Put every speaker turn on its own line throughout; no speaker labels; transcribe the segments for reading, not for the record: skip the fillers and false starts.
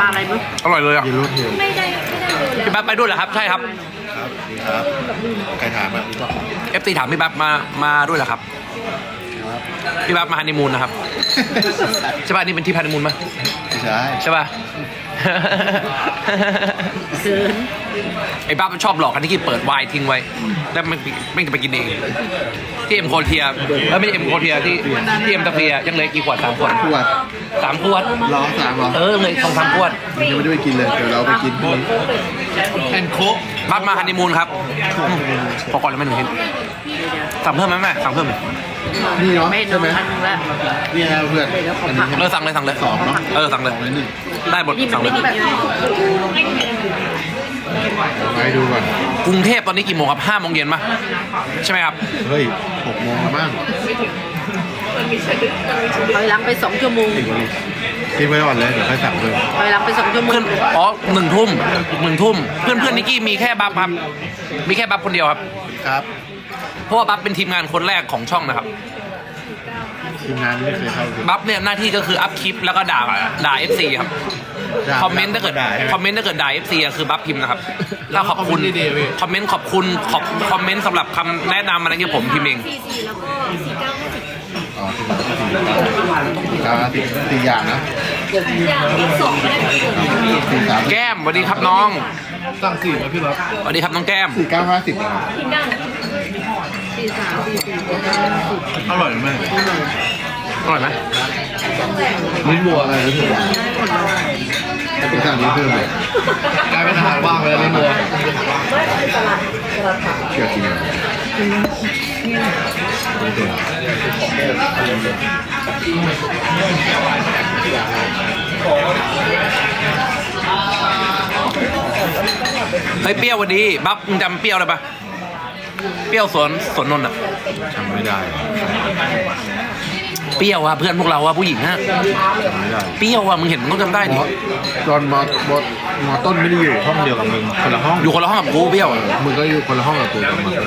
ปลาอะไรมั้ง
อร่อยเลยอ่ะ
ยืนรูดเทียน
พี่ปั๊บไปด้วยเหรอครับใช่ครับ
ครับดีครับใครถามอ่ะรู้ป่ะ
FC ถามพี่ปั๊บมาด้วยเหรอครับพี่ปั๊บมาฮันนีมูนนะครับใช่ป่ะนี่เป็นที่ฮันนีมูนมั้ย
ไม่ใช่
ใช่ป่ะ
เกิน
ไอ้ปั๊บมันชอบหลอกกันที่เปิดไวน์ทิ้งไว้แล้วไม่จะไปกินเองที่เอ็มโคเทียไม่ใช่เอ็มโคเทียที่เอ็มตะเฟียยังเหลือกี่ขวด3 ขวด
ขวด
3 ขวด
ร้อง3เหรอ
เลย2-3 ขวด
ยังไม่ได้ไปกินเลยเดี๋ยวเราไปกินพรุ่งนี้
แอนโคปั๊บมาฮันนีมูนครับพอก่อนแล้วไม่หนึ่งชิ้นสั่งเพิ่มไหมแม่สั่งเพิ่มไหม
นี่เนาะ
ไม่น
ใช่
อ
ไหม
นอันนึงละ
นี่นะเพื่อนอันนี้
สั่งเลยสั่งเลย
2เนาะ
สั่งเลย
2 1
ได้หมด
นี่มั
สั่
น
งเล
ไม่
ย
ได้แบบ
ไปดูก่อน
กรุงเทพตอนนี้กี่โมงครับ5 โมงเย็นป่ะใช่ไหมครับ
เฮ้ย6 โมงแล้วมั้ง
ถอยหลังไป2 ชั่วโมง
กินไว้ก่อนเลยเดี๋ยวค่อยสั่งเพิ่ม
ถอยหลังไป2 ชั่วโมง
เพื่อนอ๋อ1 ทุ่มเพื่อนนิกกี้มีแค่บัฟครับมีแค่บัฟคนเดียวครับ
ครับ
เพราะว่าบัฟเป็นทีมงานคนแรกของช่องนะครับ
ทีมงานไม่เคยเข้าเลย
บัฟเนี่ยหน้าที่ก็คืออัพคลิปแล้วก็ด่า FC ครับคอมเมนต์ถ้าเกิด
ด่าใช่ไหม
คอมเมนต์ถ้าเกิดด่า FC อะคือบัฟพิมพ์นะครับถ้าขอบคุณ
คอมเมนต์ดีๆพี่
คอมเมนต์ขอบคุณคอมเมนต์สำหรับคำแนะนำอะไรเงี้ยผมพิมพ์เอง
อ๋อสี่อย่างนะ4 3
แก้มสวัสดีครับน้อง
สั่ง4ไหมพี่รับ
สวัสดีครับน้องแก้ม
4 9 50นะครับ อร่อยไหม
อร่อยไหม
ลิ้นบัวอะไรรู้สึกว่าไปสั่งนี้เพิ่มเลยกลายเป็นอาหารว่างไปแล้วลิ้นบัวเชื่อจริงไม่ตัว
เฮ้ยเปรี้ยววันนี้บัฟมึงจำเปรี้ยวอะไรปะเปรี้ยวสวนนนท์อะ
จำไม่ได้
เปรี้ยวอะเพื่อนพวกเราอะผู้หญิงอะ
จำไม่ได้
เปรี้ยวอะมึงเห็นมึงต้องจำได้ดิ
ตอนมอต้นไม่ได้อยู่ห้องเดียวกับมึงคนละห้อง
อยู่คนละห้องกับกูเปรี้ยวอะ
มึงก็อยู่คนละห้องกับกูกับมึง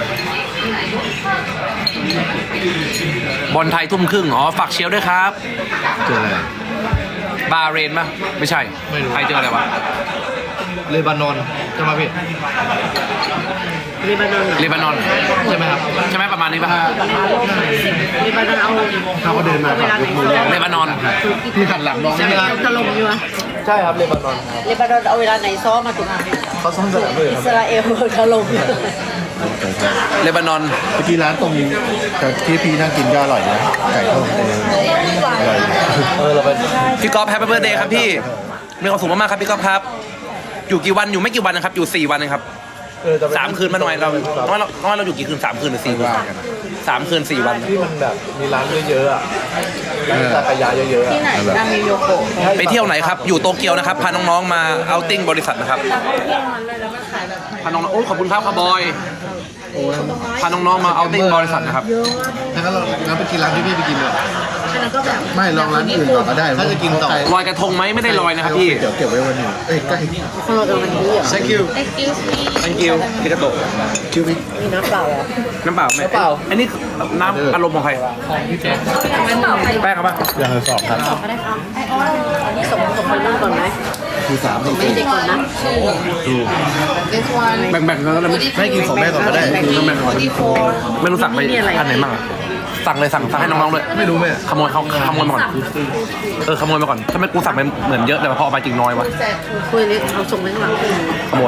บอลไทยทุ่มครึ่งอ๋อฝากเชียร์ด้วยครับ
เจออะไร
บาเรนปะไม่ใช่
ไม่รู้
ไทยเจออะไรวะ
เลบานอนจะมาพี่
เลบานอน
เลบานอน
ใช่ไหมครับ
ใช่ไหมประมาณนี้ปะ
เลบานอนเอา
ถ้าเขาเดินมา
เวลาไหน
เลบานอน
พี่ขัดหลังน้อง
ใช่ไหม
ไม่
ถล่มอยู่อะ
ใช่ครับเลบานอนครับ
เลบานอนเอาเวลาไหนซ้อมมาถูก
เขาซ่อมสนามเลย
อิ
ครับ
สราเอลถล่ม
เลบานอน
เมื่อกี้ร้านตรงที่พี่นั่งกินก็อร่อยนะไก่ต้มอร่อยเราไป
พี่ก๊อฟแฮปปี้เบิร์ดเดย์ครับพี่มีความสุขมากๆครับพี่ก๊อฟครับ อยู่กี่วันอยู่ไม่กี่วันนะครับอยู่4 วันเองครับ3 คืนมาหน่อยเราอยู่กี่คืน3 คืนหรือ4 คืน3 คืน 4 วัน
ที่มันแบบมีร้านเยอะๆอ่ะร้านซากายะเยอะๆ
ที่ไหนนามิโยโกะ
ไปเที่ยวไหนครับอยู่โตเกียวนะครับพาน้องๆมาเอาติ้งบริษัทนะครับพาน้องๆโอ้ขอบคุณครับครับบอยพาน้องๆมาเอาติ้งบริษัทนะครับ
ถ้าเราไปกินร้านที่พี่ไปกินเลย
อันนั้นก็แบบ
ไม่ลองร้านอื่นก่อนก็ได้ถ้าจะกินต่อ
ลอยกระทงไหมไม่ได้ลอยนะครับพี่
เดี๋ยวเก็บไว้วันหนึ่งเอ้ยใกล้
เออมันดีอ่ะ
thank you
thank you พี่กระโตก
คิวพี่
มีน้ำเปล่าอ่ะ
น้ำเปล่าไหมอันนี้น้ำอารมณ์ของใครแป้งครับป่ะ
อย่างละ2ครับ
ก็ได้ครับอันนี้ส่งไปนั่นก่อนไหม
คือ3
ไม่ได้ก่อนนะ
ดู
แบ่งๆกันแล้ว
ไม่กินของแม่ก่อนก็ได้คือแม่ก่อน
ไม่รู้สั่งไปอันไหนบ้างอะสั่งเลยสั่งให้น้องๆด้วย
ไม่รู้แม่
ขโมยมาก่อนขโมยมาก่อนถ้าไม่กูสั่งไปเหมือนเยอะแต่พอเอาไปจริงน้อยวะ
คุยเล็กเอาส่งไปข้างหลัง
ขโมย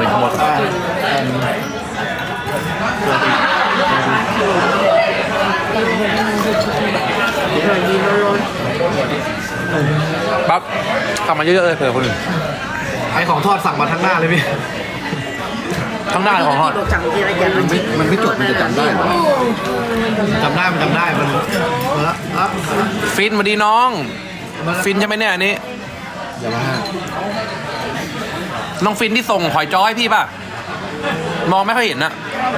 ดีร้อน
ปั๊บสั่งมาเยอะๆเลยเผื่อคนอื่น
ไอของทอดสั่งมาทั้งหน้าเลยพี่
ทั้งหน้าของทอด
บอกจังทีละอย่าง
มันไม่จดมันจะจำได้เหรอ
จำได้มันครับ
ฟินสวัสดีน้อง ฟินใช่ไหมเนี่ยอันนี้
อย่ามาห้า
น้องฟินที่ส่งหอยจ้อให้พี่ป่ะมองไม่ค่อยเห็นนะ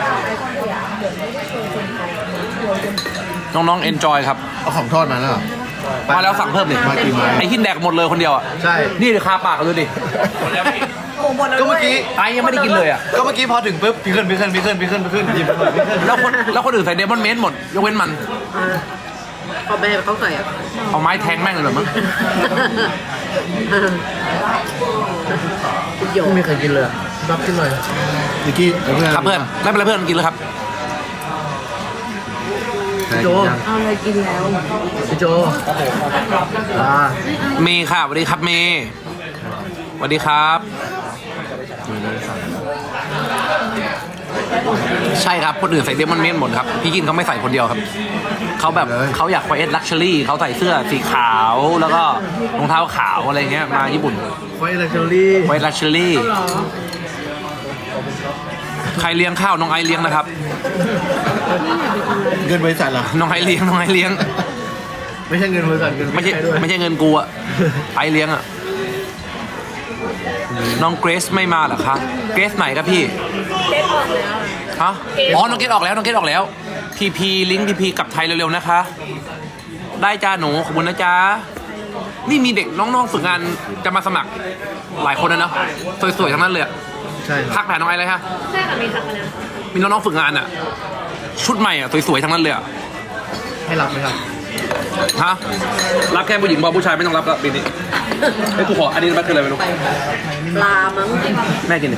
น้องๆ enjoy ครับ
เอาของทอดมาแล้วเหรอ
มาแล้วสั่งเพิ่มดิ
มากี่ไม้
ไอ้หินแดกหมดเลยคนเดียวอ่ะ
ใช่
นี่เลยคาปากกันเลยดิ
ก็เมื่อกี้
ไอ้ยังไม่ได้กินเลยอ่ะ
ก็เมื่อกี้พอถึงปุ๊บพี่ขึ้นหยิบมาหน่อยพี่ขึ้น
แล้วคนอื่นใส่เดมอนเมนหมดยกเว้นมัน
พอแม่เขาใส่อ่ะ
เอาไม้แทงแม่งเลยเหรอมั้ง
คุณโย
ไม่มีใครกินเลยรับกินหน่อยนิกกี้เพื่อน
ครับเพื่อนไม่เป็นไรเพื่อนกินแล้วครับ
พี่โจ
เอาอะไรกินแล้ว
พี่โจอ่า
เมย์ค่ะสวัสดีครับเมย์สวัสดีครับ ใช่ครับคนอื่นใส่เดมอนเมนหมดครับพี่กินเขาไม่ใส่คนเดียวครับเขาแบบเขาอยากไวเอสลักชัวรี่เขาใส่เสื้อสีขาวแล้วก็รองเท้าขาวอะไรเงี้ยมาญี่ปุ่น
ไวท์ลักชัวรี่
ไวลักชัวรี่ใครเลี้ยงข้าวน้องไอเลี้ยงนะครับ
เงินบริษัทเหรอ
น้องไอเลี้ยงน้องไอเลี้ยง
ไม่ใช่เงินบริษัทเงิน
ไม่ใช่
ด้วย
ไม่ใช่เงินกูอะไอเลี้ยงอะน้องเกรซไม่มาเหรอคะเกรซไหนครับพี่ฮะอ๋อน้องเกรซออกแล้วน้องเกรซออกแล้วพีพีลิงก์พีพีกลับไทยเร็วๆนะคะ ได้จ้าหนูขอบคุณนะจ๊ะนี่มีเด็กน้องๆฝึกงานจะมาสมัครหลายคนนะเนาะสวยๆทั้งนั้นเลยอะ
ใช่ค
ทั
รับ
กหาน้องไอเลยฮะ
ใช่ค่ะมีทักมาแล้ว
มีน้องๆฝึกงานอะชุดใหม่อะสวยๆทั้งนั้นเลยอะ
ให้รับไหมครับ
ฮะรับแค่ผู้หญิงบอกผู้ชายไม่ต้องรับละปีนี้ไอ้ยกูขออันนี้มันคืออะไรไม่รู้
ปลามั้ง
แม่กินดิ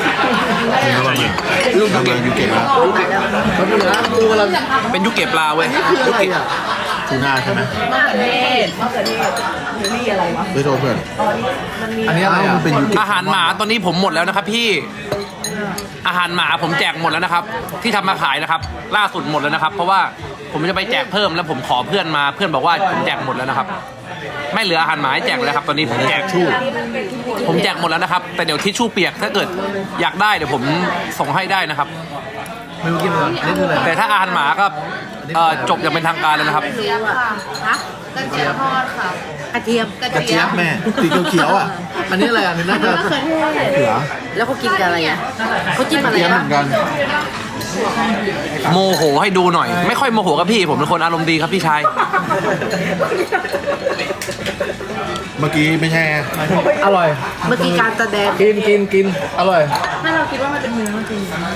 ลูกทำงานยูเก็ตแล้วเขาพูดนะกูกำลัง
เป็นยุคเก็บปลาเว้ย
คือ
ยุค
อะไร
เก็บ
อ่ะทูน่าใช่ไหมไม่โทรเพื่อนอันนี้อะไรอ่ะมันเป็นยูเก็ต
อาหารหมาตอนนี้ผมหมดแล้วนะครับพี่อาหารหมาผมแจกหมดแล้วนะครับ ที่ทำมาขายนะครับ ล่าสุดหมดแล้วนะครับ เพราะว่าผมจะไปแจกเพิ่มแล้วผมขอเพื่อนมาเพื่อนบอกว่าผมแจกหมดแล้วนะครับ ไม่เหลืออาหารหมาให้แจกเลยครับ ตอนนี้ผมแจกชู่ผมแจกหมดแล้วนะครับ แต่เดี๋ยวทิชชู่เปียกถ้าเกิดอยากได้เดี๋ยวผมส่งให้ได้นะครับ
ไม่รู้กินอะไรอันนี้คืออะไร
แต่ถ้าอาหารหมาก็จบอย่างเป็นทางการแล้วนะครับ
ไม่รู้อ่ะฮะ
กระเจี๊ยบทอดค่ะ
กระเทียม
กระเจี๊ยบแม่สีเขียวๆอ่ะอันนี้อะไรอ่ะนี่น่าจะเขือ
แล้วเขากินกับอะไรอ่ะเขาจิ้มอะไร
เจี๊ยบเห
บ้า
มื
ง
อนกัน
โมโหให้ดูหน่อย ไม่ค่อยโมโหครับพี่ผมเป็นคนอารมณ์ดีครับพี่ชาย
เมื่อกี้ไม่ใช่อร่อย
เมื่อกี้การแสดง
กินอร่อย
ไม่เราคิดว่ามันเป็นเนื้อจริง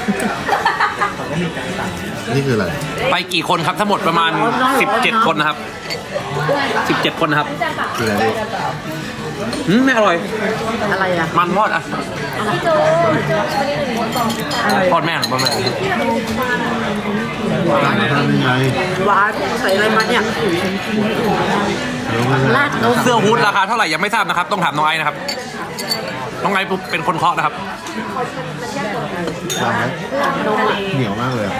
นี่คืออะไร
ไปกี่คนครับทั้งหมดประมาณ 17 คนนะครับ 17 คนนะครับ
คืออะไร
ไม่อร่อย
อะไรอ่ะ
มันทอดอ่ะทอดแม่งทอดแม่ง
ต่างกันยังไง
หวานใส่อะไรมาเนี่ย
เดี๋ยวมัน
ราดนม
เสื้อฮูดราคาเท่าไหร่ยังไม่ทราบนะครับ ต้องถามน้องไอซ์นะครับ น้องไอซ์เป็นคนเคาะนะครับ
ต่างไหมเหนียวมากเลย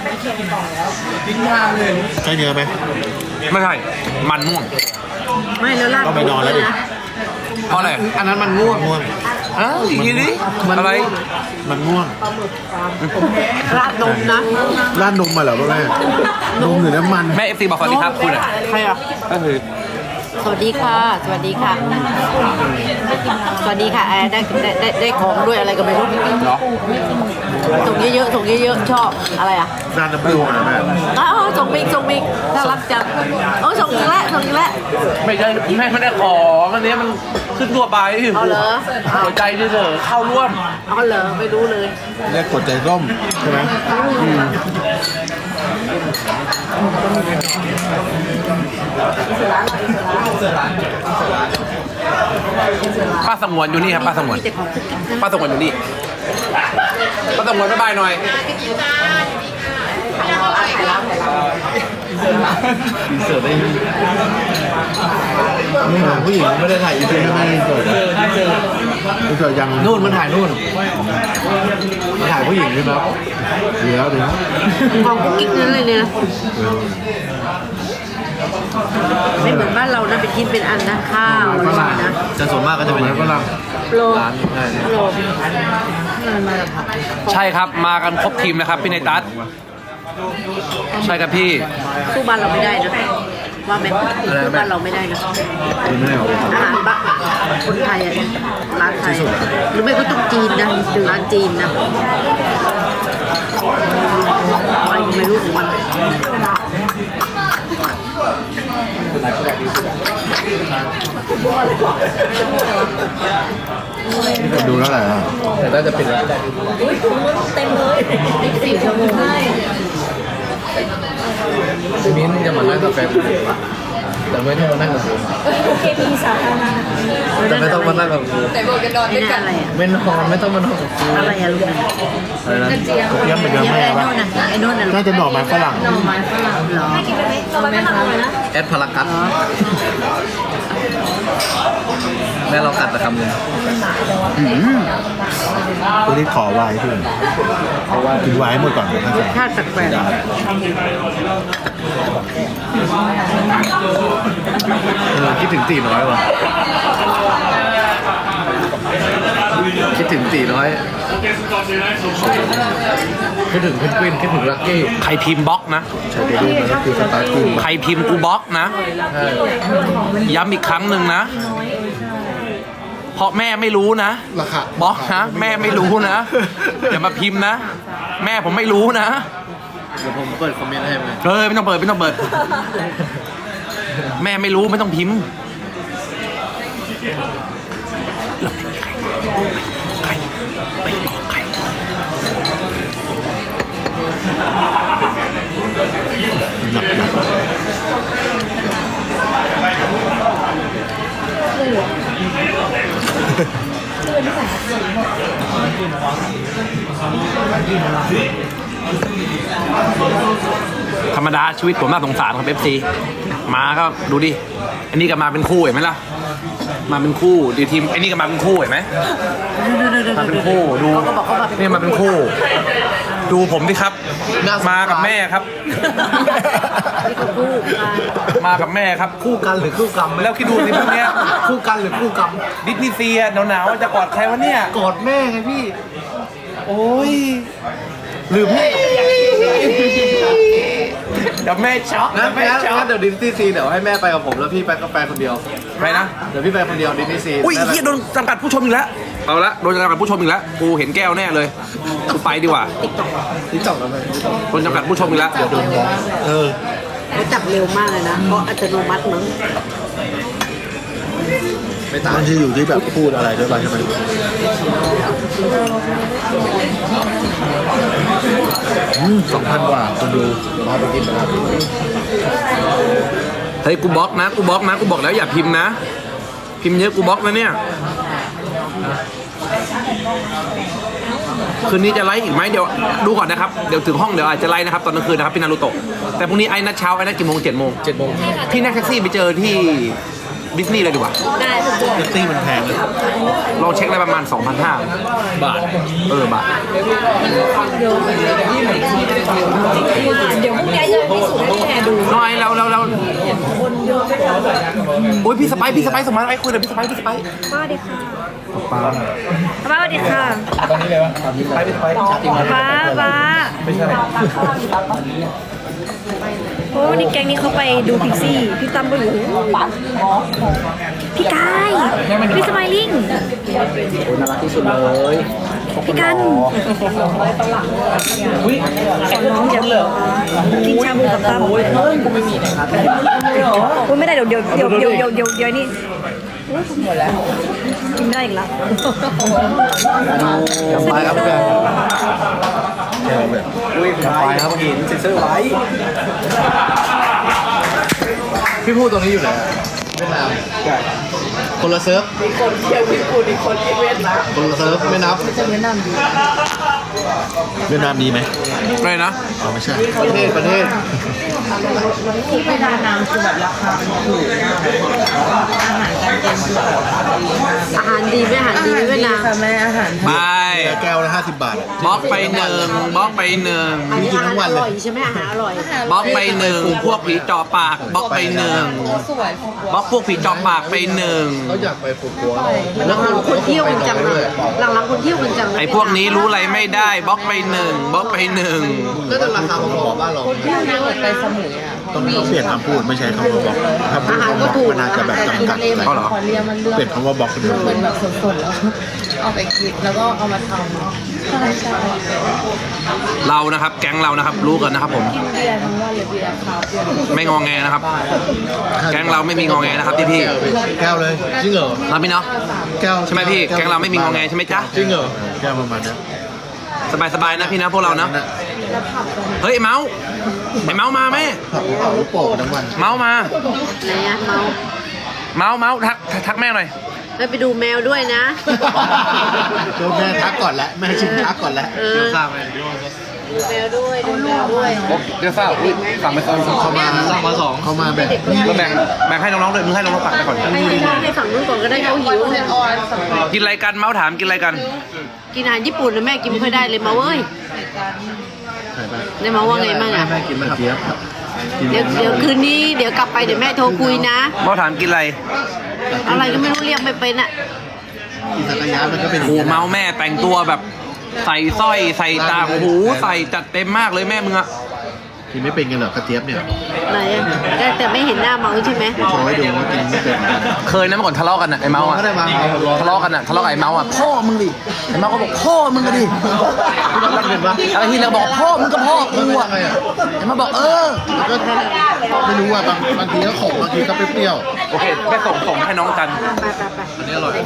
ใช่เนื้อไหม
ไม่ใช่ มันม่วง
ไม่แล้วราด
ก็ไปนอนแล้วดิ
เพราะอะไร
อันนั้นมันง่วง
อ้าวอีกทีนี้อะไร
มันง่วง
ราดนมนะ
ราดนมมาเหรอพ่อแม่นมหรือน้ำมัน
แม่เอฟซีบอกสวัสดีครับคุณอ่ะ
ใครอ่ะ
ก็คือ
สวัสดีค่ะ สวัสดีค่ะ สวัสดีค่ะได้ของด้วยอะไรก็ไม่รู้
เหรอ
ส่งเยอะๆส่งเยอะๆชอบอะไรอ่ะ
ราดน้ำผึ้งนะแม่
อ๋อส่งมิกน่ารักจังโอ้ส่งอีกแล้วส่งอีกแล้ว
ไม่ใช่แม่ไม่ได้ของอันนี้มันขึ้นตัวไป
เอาเหรอ
หัวใจเฉยๆเข้าร่วม
เอาเหรอไม่รู้เลย
เรียกกดใจร่มใช่ไหม
ป้าสงวนอยู่นี่ครับป้าสงวน
มีแต่ของคุกกิ๊กนะ
ป้าสงวนอยู่นี่ป้าสงวนบ๊ายบายหน่อย
อินเสิร์ตได้ไม่ถ่ายผู้หญิงไม่ได้ถ่ายอินเสิร์ตไม่ได้อินเสิร์ตอินเสิร์ตยังนู่นมันถ่ายนู่นมันถ่ายผู้หญิงใช่ไหมครับเดี๋ยว
ของคุกกิ๊กนั่นเลยเนี่ยนะไม่เหมือนบ้านเรานะเป็นชิ้นเป็นอันนะข้าวอะไรอย่างเงี้ยนะ
จะส่วนมากก็จะเป็นฝรั่ง
โล
ร้านง่าย
โลมาแล้วค่ะ
ใช่ครับมากันครบทีมนะครับพี่ในตัสใช่ครับพี่
สู้บ้านเราไม่ได้นะว่าไหมสู้บ้านเราไม่ได้นะ
ไม่ได้หรอก
อาหารบ้านคนไทยอ่ะร้านไทยหรือไม่ก็ต้องจีนนะร้านจีนนะอะไรไม่รู้ของมัน
ดูแล้วแหละแต่น่าจะเป็นแล้ว
เต็มเลย4 ชั่วโมง
มิ้นจะมานั่งกาแฟแต่ไม่ต้องมานั่งกับกู
เคมีสาธารณะ
แต่ไม่ต้องมานั่งกับกู
แต่บอกกันนอนด้วยกัน
อะไรอ่ะ
ไม่นอนไม่ต้องมานอนกับกู
อะไรอ่ะลูกนะ
อะไรนะเยี่ยมไปเยอะ
ไอ้
มาก
โน่นน่ะไอ้โน่นน่ะ
น่าจะหน่อไม้ฝรั่ง
หน่อไม้ฝรั่งเหรอ
ต่อไปก็ทำเลยนะ
แอดพารากัสแม่เรากัดแต่คำนึงตัวนี้ขอไว้ที่กินไว้หมดก่อนเลยนะครับ
ชาติแปลก
คิดถึงตีน้อยว่ะคิดถึงตีน้อยคิดถึงเพนกวินคิดถึงลักกี้
ใครพิมพ์บล็อกนะ
ใช่ไปดูมันก็คือสไตล์กู
ใครพิมพ์กูบล็อกนะ
ใช่
ย้ำอีกครั้งหนึ่งนะ เพราะแม่ไม่รู้นะ
ราคา
บล็อกนะแม่ไม่รู้นะอย่ามาพิมพ์นะ แม่ผมไม่รู้นะ
เดี๋ยวผมเปิดคอมเมนต์ให้ไหม
ไม่ต้องเปิดไม่ต้องเปิด แม่ไม่รู้ไม่ต้องพิมพ์ใครไปบอกใคร
หนักหนัก
ธรรมดาชีวิตผมน่าสงสารครับเอฟซีมาก็ดูดิอันนี้ก็มาเป็นคู่เห็นไหมล่ะมาเป็นคู่ดีทีมไอ้นี่ก็มาเป็นคู่เห็นไหมมาเป็นคู่ดูนี่มาเป็นคู่ ดูผมดิครับมากับแม่ครับ มากับแม่ครับ
คู่กันหรือคู่กรรม
แล้วคิดดูสิพวกเนี้ย
คู่กันหรือคู่กรรม
ดิสนีย์เซียหนาวๆจะกอดใครวะเนี่ย
กอดแม่ไงพี่
โอ้ย
ลืมพี่
เดี๋ยวแม่ช็อก
งั้น
แม่ช็อก
เดี๋ยวดิสนีย์ซีเดี๋ยวให้แม่ไปกับผมแล้วพี่ไปก็ไปคนเดียว
ไปนะ
เดี๋ยวพี่ไปคนเดียวดิสนีย์ซี
อุ้ยเฮียโดนจำกัดผู้ชมอีกแล้วเอาละโดนจำกัดผู้ชมอีกแล้วกูเห็นแก้วแน่เลยกูไปดีกว่า
นี่จ่องแล้วไหม
โดนจำกัดผู้ชมอีกแล้ว
เออ
เขาจับเร็วมากเลยนะเพราะอัตโนมัติมั้ง
ไม่ต่างมันจะอยู่ที่แบบพูดอะไรด้วยป่ะใช่ไหม2,000 กว่าคนดูมาไปกินนะครับ
เฮ้ยกูบล็อกนะกูบล็อกนะกูบอกแล้วอย่าพิมพ์นะ พิมพ์เยอะกูบล็อกนะเนี่ยคืนนี้จะไลฟ์อีกไหมเดี๋ยวดูก่อนนะครับเดี๋ยวถึงห้องเดี๋ยวอาจจะไลฟ์นะครับตอนกลางคืนนะครับพี่นารุโตะแต่พรุ่งนี้ไอ้นัดเช้าไอ้นัดกี่โมง7 โมง
7 โมง
พี่นั่งแท็กซี่ไปเจอที่ดิสนีย์เลยดีกว่า
แท็กซี่มันแพงเลย
ลองเช็คได้ประมาณ 2,500
บาท
บาท
เดี๋ยวพรุ่งนี้จะพิสูจน์ให้แม่ดู
น้อยแล้วโอ้ยพี่สไปซ์สมมาไอ้คุยเลยพี่สไปซ์
สวัสดีค่ะป้าสวัสดีค่ะ
ตอนนี้เลยวะไปชาติมา
ป้า
ไม่ใช่
โอ้นี่แก๊งนี้เขาไปดูพิกซี่พี่ตั้มก็อยู่พี่กายพี่สไมลิ่ง
น่ารักที่สุดเลย
พี่กันสอนน้องจะกินชาบูกับตั้มกูไม่มีนะครับไม่ได้เดี๋ยวนี่หมดแล้วกินได้อีกแล้ว
ไปครับแฟนอุ้ยไปครับเห็นเซ็นเซอร์ไว้พี่พูดตรงนี้อยู่ไหนเวียดนามคนละเซิร์ฟมีคนเที่ยวญี่ปุ่นอีกคนที่เวียดนามคนละเซิร์ฟไม่นับเวียดนามดีไหม
อะไรนะ
อ๋อไม่ใช่ประเทศ
ที่เวียดนามคือแบบราคาถูกอาหารดีไหมอาหารดีไหมเวียดนามค่ะแม่อาหาร
ไป
แก้วละ50 บาท
บล็อกไปหนึ่งบล็อกไปหนึ่ง
กินทั้งวันเลย
อร่อยใช่ไหมอาหารอร่อย
บล็อกไปหนึ่งพวกผีเจาะปากบล็อกไปหนึ่งบล็อกพวกผีเจาะปากไปหนึ่ง
เขาอยากไปฟูกัว
หลังๆคนเที่ยวกันจังเลยหลังๆคนเที่ยวกันจังเลย
ไอ้พวกนี้รู้อะไรไม่ได้บล็อกไปหนึ่งบล็อกไปหนึ่ง
ก็จะราคาของบ้านเราต้องเปลี่ยนคำพูดไม่ใช้คำว่าบล็อกถ้าพูดคำว่าบล็อกมันอาจจะแบบจำกัด
เขาเหรอ
เปลี่ยนคำว่าบล็อกเดียว
เอาไปกินแล้วก็เอามาทำใช่ใช่
เรานะครับ แก๊งเรานะครับ รู้กันนะครับผม
เบียร์ทั้งวันเลยเบียร์ขาวเบียร์
ไม่งอแงนะครับ แก๊งเราไม่มีงอแงนะครับพี่
แก้วเลยจริงเหรอ
ๆรับพี่เนาะ
แก้ว
ใช่ไหมพี่แก๊งเราไม่มีงอแงใช่ไหมจ๊ะ
จริงเหรอแก้วประมาณนี้
สบายๆนะพี่นะพวกเรานะ
แ
เฮ้ยไอ้เมาส์ไอ้เมาส์มาไหม
ขับเอาลูกโป่งทั้งวัน
เมาส์มา
ไหนอะเมา
เมาส์ทักแม่หน่อย
ไปดูแมวด้วยนะ
โดนแม่ทักก่อนแล้วแม่ชิมทักก่อนแล้ว
เออ
ทราบไหม
ดูแมวด้วยดูแมวด้วย
เดี๋ยวเศร้าสั่งไป2
เขามาสั่งมา2เขามาแบบ
แล้วแบ่งให้น้องๆด้วยมึงให้น้องๆฝากไปก่อน
ให้ฝั่งนู้นก่อนก็ได้เขาหิว
เป็นออนสำหรับ
กินอะไรกันเมาส์ถามกินอะไรกัน
กินอาหารญี่ปุ่นนะแม่กินไม่ค่อยได้เลยมาเว้ย
ไหนไป
ได้มาว่าไงบ้างอะ
แม่กินไหมครับเจี๊ยบกิน
เดี๋ยวคืนนี้เดี๋ยวกลับไปเดี๋ยวแม่โทรคุยนะ
เมาส์ถามกินอะไร
อะไรก็ไม่รู้เรียกไม่เป็นอะ
กินสักยะมันก็เป็น
โอ้เมาส์แม่แต่งตัวแบบใส่สร้อยใส่ต่างหูใส่จัดเต็มมากเลยแม่มึงอะ
กินไม่เป็นกันเหรอกระเจี๊ยบเนี่ย
ไหนอะแต่ไม่เห็นหน้าเมาใช่ไหม
โชว์ให้ดูว่ากินไม่เป็นเหมือนกัน
เคยนะเมื่อก่อนทะเลาะกันอะไอ้เมาส์อะ
ก็ได้มาเอารอ
ทะเลาะกันอะทะเลาะกับไอ้เมาส์อะพ่อมึงดิไอ้เมาส์ก็บอกพ่อมึงก็ดิ
รักเป็นปะ
อะไรที่เราบอกพ่อมึงก็พ่อกูอะ
ทำไมอ่ะ
ไอ้เมาส์บอก
ก็ไม่รู้อ่ะบางทีก็ขมบางทีก็เปรี้ยว
โอเคแค่ส่งให้น้องกัน
อันนี้อร่อย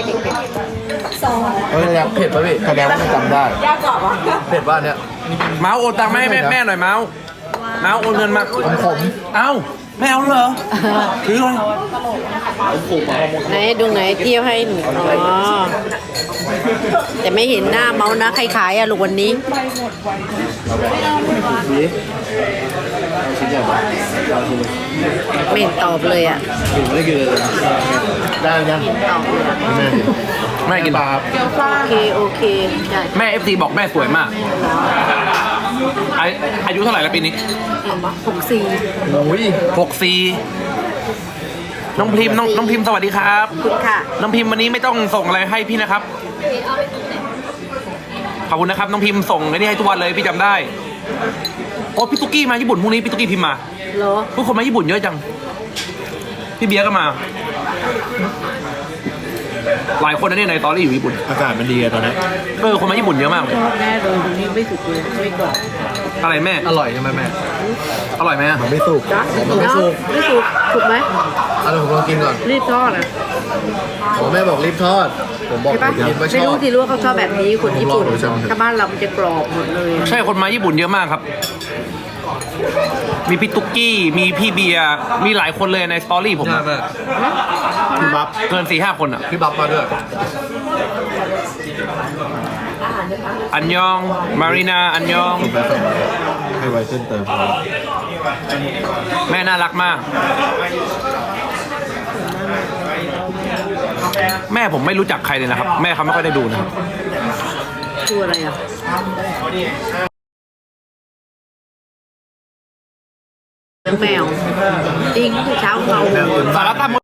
เฮ้ยแล้วเผ็ดป่ะพี่แสดงว่ามันจำได้เผ็ดป่ะเนี่ย
เมาส์โอนตังค์มาให้แม่หน่อยเมาส์โอนเงินมา
ขม
เอ้าไม่เอาเหรอถือเลย
ไหนดูไหนเที่ยวให้หนูอ๋อแต่ไม่เห็นหน้าเมานะใครขายอะลูกวันนี้
นี่ชิ้นใหญ่ป่ะเอาชิ้นเลย
ไม่เห็นตอบเลยอะ
กินไม่ได้กินเลยได้ยัง
ตอบเลยอะ
แม่ดิ
แม่กิน
ปลาครับ
โอเคได้
แม่ FC บอกแม่สวยมากอายุเท่าไหร่แล้วปีนี้
64
โอ้ย
64น้องพิมพ์น้องพิมพ์สวัสดีครับ
คุณค่ะ
น้องพิมพ์วันนี้ไม่ต้องส่งอะไรให้พี่นะครับขอบคุณนะครับน้องพิมพ์ส่งไอ้นี่ให้ทุกวันเลยพี่จำได้โอ้พี่ตุ๊กกี้มาญี่ปุ่นพรุ่งนี้พี่ตุ๊กกี้พิมพ์มา
เหรอ
ทุกคนมาญี่ปุ่นเยอะจังพี่เบียร์ก็มา หลายคนนะเนี่ยในตอรี่อยู่ญี่ปุ่น
อากาศมันดีอะตอนนี้
คนมาญี่ปุ่นเยอะมากเลย
แม่โดนตรงนี้ไม่สุกเลยไม่กรอบ
อะไรแม่
อร่อยใช่ไหมแม่
อร่อยไหมอะ
มันไม่สุก
จ้ะ
มันไม่สุก
ไม่สุกถูกไหม
อะไรผมลองกินก่อน
รีบทอดอะ
ผมแม่บอกรีบทอด ผมบอก
ใช่ปะ
กินว่าช
ไม่
อ
รู้
บ
ที่รู้ว่าเขาชอบแบบนี้คนญี่ปุ่น
ผมลองดูใช่ไหม
ถ้าบ้านเรามันจะกรอบหมดเลย
ใช่คนมาญี่ปุ่นเยอะมากครับ มีพี่ตุ๊กกี้ มีพี่เบียร์มีหลายคนเลยในสตอรี่ผมอะ
พี่บับ
เกิน 4-5 คนอ่ะ
พี่บับมาด้วย
อันยอง มารีนา อันยอง
ผมไปส่งให้ไวเส้นเติม
แม่น่ารักมาก แม่ผมไม่รู้จักใครเลยนะครับ แม่เขาไม่ค่อยได้ดูนะครับ
คืออะไรอ่ะแมวจริงเช้าเมา
สารตั้ม